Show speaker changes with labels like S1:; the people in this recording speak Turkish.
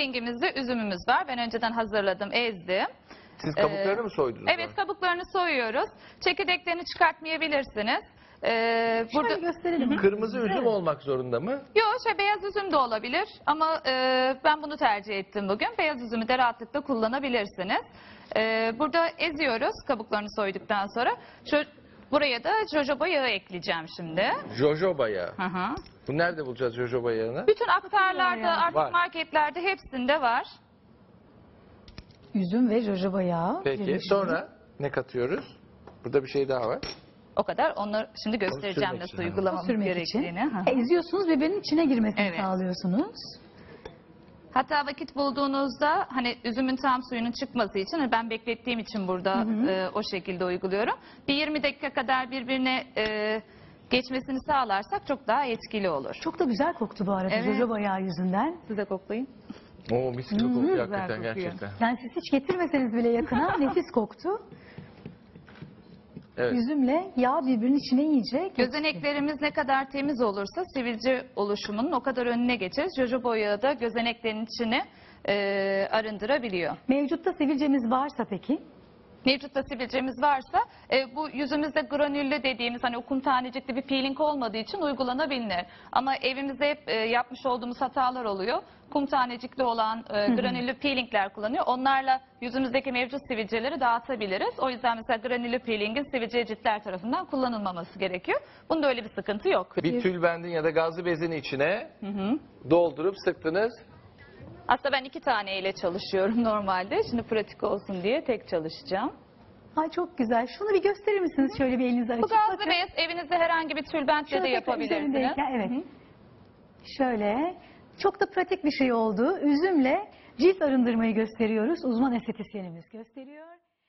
S1: peelingimizde üzümümüz var. Ben önceden hazırladım, ezdim.
S2: Siz kabuklarını mı soydunuz?
S1: Evet,
S2: sonra?
S1: kabuklarını soyuyoruz. Çekirdeklerini çıkartmayabilirsiniz.
S3: Şöyle gösterelim.
S2: Kırmızı üzüm
S3: Evet.
S2: olmak zorunda mı?
S1: Yok, beyaz üzüm de olabilir ama ben bunu tercih ettim bugün. Beyaz üzümü de rahatlıkla kullanabilirsiniz. Burada eziyoruz kabuklarını soyduktan sonra. Buraya da jojoba yağı ekleyeceğim şimdi.
S2: Jojoba yağı.
S1: Hı hı.
S2: Bu nerede bulacağız jojoba yağını?
S1: Bütün aktarlarda,
S3: yani.
S1: artık
S2: Var.
S1: marketlerde hepsinde var.
S3: Üzüm ve jojoba yağı.
S2: Peki
S3: birleşimi.
S2: sonra ne katıyoruz? Burada bir şey daha var.
S1: O kadar. Onları şimdi göstereceğim
S2: sürmek
S1: nasıl
S2: için,
S1: uygulamamız
S3: Sürmek
S1: gerektiğini.
S3: için.
S1: Hı hı.
S3: Eziyorsunuz, birbirinin içine girmesini
S1: Evet.
S3: sağlıyorsunuz.
S1: Hatta vakit bulduğunuzda hani üzümün tam suyunun çıkması için hani ben beklettiğim için burada o şekilde uyguluyorum. Bir 20 dakika kadar birbirine geçmesini sağlarsak çok daha etkili olur.
S3: Çok da güzel koktu bu arada
S1: Evet.
S3: jojoba yağı yüzünden.
S1: Siz de koklayın.
S2: Oo mis gibi kokuyor
S1: güzel
S2: hakikaten
S1: kokuyor.
S2: gerçekten.
S3: Yani siz hiç getirmeseniz bile yakına nefis koktu.
S2: Evet.
S3: Üzümle yağ birbirinin içine yiyecek.
S1: Gözeneklerimiz ne kadar temiz olursa sivilce oluşumunun o kadar önüne geçeriz. Jojoba yağı da gözeneklerin içini arındırabiliyor.
S3: Mevcutta sivilcemiz varsa peki?
S1: Mevcutta sivilcemiz varsa bu yüzümüzde granüllü dediğimiz hani o kum tanecikli bir peeling olmadığı için uygulanabilir. Ama evimizde hep yapmış olduğumuz hatalar oluyor. Kum tanecikli olan granüllü peelingler kullanıyor. Onlarla yüzümüzdeki mevcut sivilceleri dağıtabiliriz. O yüzden mesela granüllü peelingin sivilce ciltler tarafından kullanılmaması gerekiyor. Bunda öyle bir sıkıntı yok.
S2: Bir tülbendin ya da gazlı bezin içine doldurup sıktınız.
S1: Aslında ben 2 taneyle çalışıyorum normalde. Şimdi pratik olsun diye tek çalışacağım.
S3: Ay çok güzel. Şunu bir gösterir misiniz? Şöyle bir elinizi açıp
S1: Bu gazlı
S3: bakın.
S1: bez evinizde herhangi bir tülbentle
S3: Şöyle
S1: de
S3: tekrar
S1: yapabilirsiniz.
S3: üzerindeyken, evet. Şöyle. Çok da pratik bir şey oldu. Üzümle cilt arındırmayı gösteriyoruz. Uzman estetisyenimiz gösteriyor.